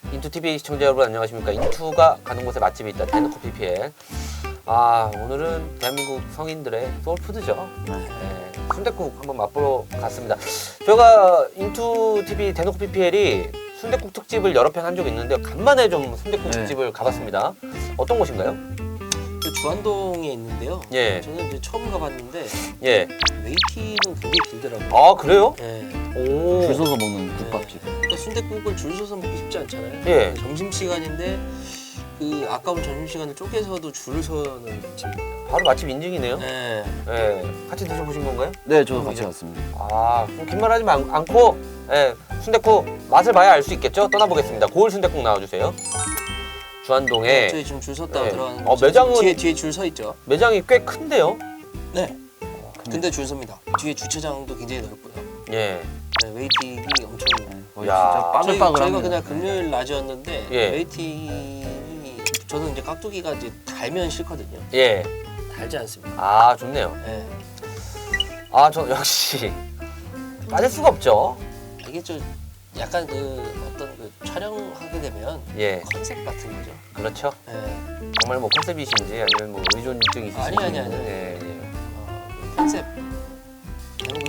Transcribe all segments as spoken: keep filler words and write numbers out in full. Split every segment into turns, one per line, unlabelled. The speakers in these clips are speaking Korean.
인투티비 시청자 여러분 안녕하십니까. 인투가 가는 곳에 맛집이 있다. 대놓고 피피엘. 아 오늘은 대한민국 성인들의 소울푸드죠. 네, 순댓국 한번 맛보러 갔습니다. 저희가 인투티비 대놓고 피피엘이 순댓국 특집을 여러 편 한 적이 있는데 간만에 좀 순댓국
네.
특집을 가봤습니다. 어떤 곳인가요?
그 주안동에 있는데요.
예.
저는 이제 처음 가봤는데
예.
웨이팅은 굉장히 길더라고요.
아 그래요?
예.
오.
줄 서서 먹는 국밥집.
그러니까 순댓국을 줄 서서 먹기 쉽지 않잖아요.
예.
점심 시간인데 그 아까운 점심 시간을 쪼개서도 줄을 서는 집입니다.
바로 맛집 인증이네요.
예.
예. 같이 드셔보신 건가요?
네, 저도 같이
이제-
갔습니다.
아, 그럼 긴 말 하지 마- 않고 예, 순댓국 맛을 봐야 알 수 있겠죠? 떠나보겠습니다. 고을 순댓국 나와주세요. 주안동에
저희 지금 줄 섰다가
네.
들어가는
어, 매장은-
뒤에 뒤에 줄 서 있죠.
매장이 꽤 큰데요?
네. 근데 줄 섭니다. 뒤에 주차장도 굉장히 넓고요.
예.
네, 웨이팅이 엄청
거의
야.
진짜
저희,
빠글빠글합니다.
저희가 그냥 금요일 낮이었는데
예.
웨이팅이 저는 이제 깍두기가 이제 달면 싫거든요.
예.
달지 않습니다.
아, 좋네요.
예.
아, 저 역시 빠질 수가 없죠.
이게 좀 약간 그 어떤 그 촬영하게 되면
예.
컨셉 같은 거죠.
그렇죠.
예.
정말 뭐 컨셉이신지 아니면 뭐 의존증이 있으신지.
아니, 아니, 아니.
예, 예.
어, 그 컨셉. 그리고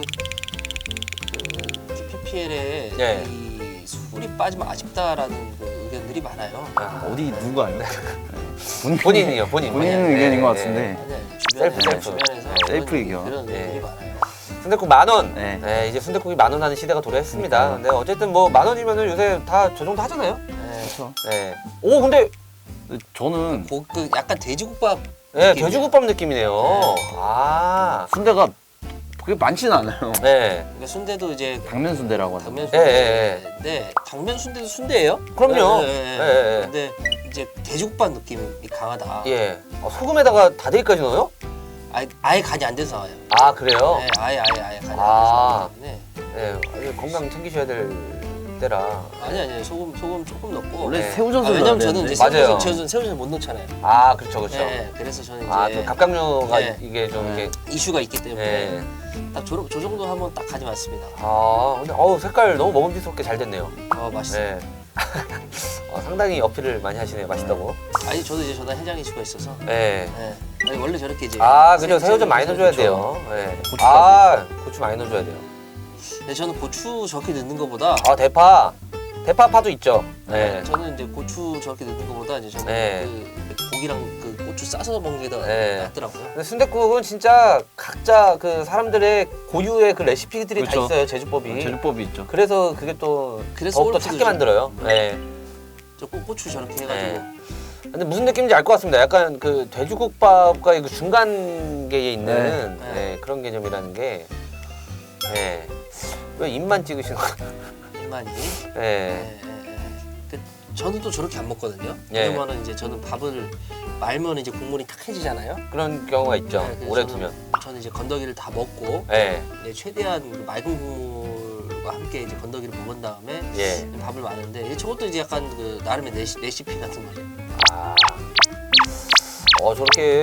그, 그 피피엘에
예.
이 술이 빠지면 아쉽다라는 그 의견들이 많아요.
아,
어디 누가 아니요?
본인이요, 본인.
본인
예,
의견인 것
예,
같은데.
아니 아니 주변에서
셀프, 셀프.
주변에서
네,
셀프
그런,
의견.
그런 의견들이
예.
많아요.
순댓국 만 원.
네.
네, 이제 순댓국이 만 원 하는 시대가 도래했습니다.
그러니까요.
근데 어쨌든 뭐 만 원이면은 요새 다 저 정도 하잖아요.
예.
그렇죠.
네. 오, 근데
저는
고, 그 약간 돼지국밥
네,
느낌이에요.
돼지국밥 느낌이네요.
네.
아,
순대가 그게 많지는 않아요.
네.
그러니까 순대도 이제
당면 순대라고 하죠.
당면
예, 예,
순대인데 당면 순대도 순대예요?
그럼요.
예, 예,
예,
예.
예, 예.
근데 이제 돼지국밥 느낌이 강하다.
예. 어, 소금에다가 다대기까지 넣어요?
아예, 아예 간이 안 돼서 나와요.
아, 그래요?
네, 아예 아예 아예 간이
아.
안 돼서 나오기 때문에
네. 아주 건강 챙기셔야 될 때라.
아니 아니 소금 소금 조금 넣고.
원래
네.
새우젓을
아, 왜냐면
넣어야
저는
되는데.
이제
맞아요.
새우젓 저는 새우젓 못 넣잖아요.
아, 그렇죠, 그렇죠.
네, 그래서 저는 이제
아, 또 갑각류가
네.
이게 좀
네.
이게.
이슈가 있기 때문에
네.
딱 저, 저 정도 하면 딱 간이 맞습니다.
아, 근데 어우 색깔 너무 먹음직스럽게 잘 됐네요.
어 맛있어요.
네. 어, 상당히 어필을 많이 하시네요. 맛있다고.
아니 저도 이제 저다 해장 이슈가 있어서.
네.
네. 아니 원래 저렇게 이제.
아, 그죠.
새-
새우젓 많이
새우-
넣어줘야
그쵸.
돼요. 네.
고추까지.
아, 고추 많이 넣어줘야 돼요.
근데 저는 고추 저렇게 넣는 것보다.
아, 대파. 대파파도 있죠. 네.
저는 이제 고추 저렇게 넣는 것보다 이제 저는
네.
그 고기랑 그 고추 싸서 먹는 게 더
네.
낫더라고요.
근데 순댓국은 진짜 각자 그 사람들의 고유의 그 레시피들이 다
그렇죠.
있어요. 제조법이.
제조법이 있죠.
그래서 그게 또
그래서
더욱더
소울푸드죠.
찾게 만들어요. 네.
저 고- 고추 저렇게 해가지고.
네. 근데 무슨 느낌인지 알 것 같습니다. 약간 그 돼지국밥과 그 중간계에 있는
네.
네, 그런 개념이라는 게. 네. 왜 입만 찍으시는 거예요?
이만이.
네.
네, 네, 네. 그 저는 또 저렇게 안 먹거든요.
예.
왜냐면은 이제 저는 밥을 말면 이제 국물이 탁해지잖아요.
그런 경우가 있죠.
네, 그래서
오래
저는-
두면.
저는 이제 건더기를 다 먹고
네.
이제 최대한 그 맑은 국물과 함께 이제 건더기를 먹은 다음에
예.
밥을 마는데 저것도 이제 약간 그 나름의 레시, 레시피 같은 거죠.
아. 어, 저렇게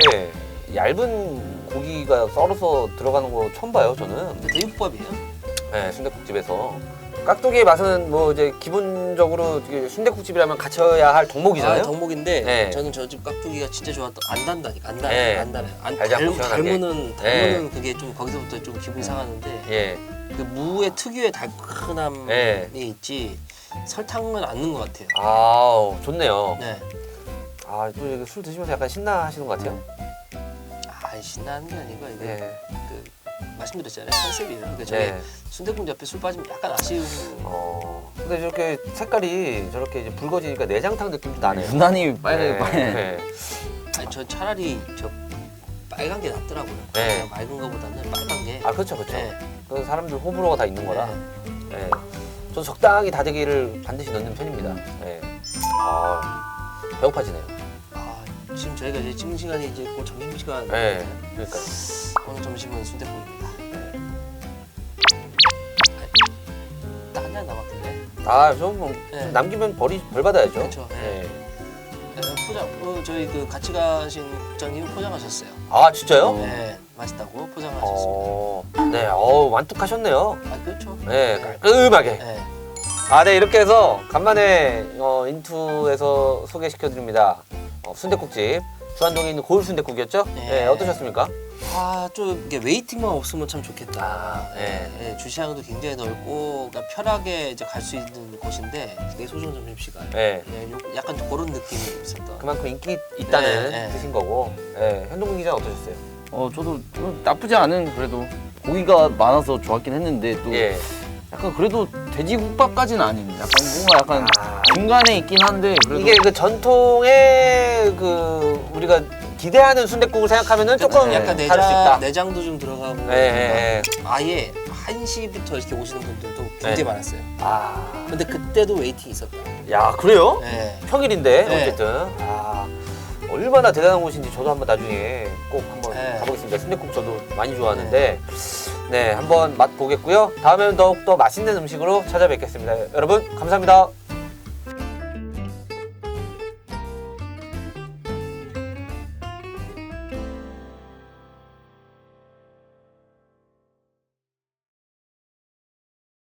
얇은 고기가 썰어서 들어가는 거 처음 봐요, 저는.
근데 돼지국밥이에요.
네, 순댓국집에서. 깍두기의 맛은 뭐 이제 기본적으로 순댓국집이라면 갖춰야 할 덕목이잖아요.
아, 덕목인데
네.
저는 저 집 깍두기가 진짜 좋았던 안 단다니까 안 단,
네.
안 달아요. 안
달지 않고
닮-
시원하게.
닮으는
네.
닮으는 그게 좀 거기서부터 좀 기분이 상하는데
예.
그 무의 특유의 달큰함이
네.
있지 설탕은 안 넣은 것 같아요.
아, 좋네요.
네.
아, 또 이렇게 술 드시면서 약간 신나하시는 것 같아요.
아 신나는 게 아니고 이게
네.
그 말씀드렸잖아요 컨셉이에요. 그러니까 저희
네.
순댓국 옆에 술 빠지면 약간 아쉬운.
어. 근데 저렇게 색깔이 저렇게 이제 붉어지니까 내장탕 느낌도 나네요.
유난히 빨갛게
네.
빨.
네.
아니 저 차라리 저 빨간 게 낫더라고요.
네.
그냥 맑은 거보다는 빨간 게.
아, 그렇죠, 그렇죠.
네.
그 사람들 호불호가 다 있는 거라.
네.
네. 저도 적당히 다대기를 반드시 넣는 편입니다. 네. 아, 배고파지네요.
아 지금 저희가 이제 찍는 시간이 이제 곧 점심 시간.
네. 그러니까.
오늘 점심은 순댓국입니다. 딱한잔 남았던데.
아, 좀 뭐,
네.
좀 남기면 벌이 벌 받아야죠.
그렇죠.
네.
네, 포장. 어, 저희 그 같이 가신 국장님 포장하셨어요.
아, 진짜요?
어.
네, 맛있다고 포장하셨습니다.
어. 네. 어, 완뚝하셨네요.
아 그렇죠.
네, 깔끔하게.
네.
아, 네, 이렇게 해서 간만에 어, 인투에서 소개시켜드립니다. 어, 순댓국집 수안동에 있는 고을 순댓국이었죠? 네.
네.
어떠셨습니까?
아, 좀 이게 웨이팅만 없으면 참 좋겠다.
아, 네.
예, 예, 주시장도 굉장히 넓고 그러니까 편하게 이제 갈 수 있는 곳인데 내 소중 점심시간.
네.
예, 요- 약간 그런 느낌이 있었던.
그만큼 인기 있다는
네, 네.
뜻인 거고. 네, 현동근 기자는 어떠셨어요?
어 저도 좀 나쁘지 않은 그래도 고기가 많아서 좋았긴 했는데 또
예.
약간 그래도 돼지국밥까지는 아닌 약간 뭔가 약간
아,
중간에 있긴 한데 그래도
이게 그 전통의 그 우리가 기대하는 순댓국을 생각하면은 조금
약간
다를 수
내장,
있다.
내장도 좀 들어가고
예, 예, 예.
아예 한 시부터 이렇게 오시는 분들도 굉장히
네.
많았어요.
아,
근데 그때도 웨이팅이 있었다.
야, 그래요?
네.
평일인데
네.
어쨌든 아, 얼마나 대단한 곳인지 저도 한번 나중에 꼭 한번
네.
가보겠습니다. 순댓국 저도 많이 좋아하는데 네, 한번 맛 보겠고요. 다음에는 더욱 더 맛있는 음식으로 찾아뵙겠습니다. 여러분 감사합니다.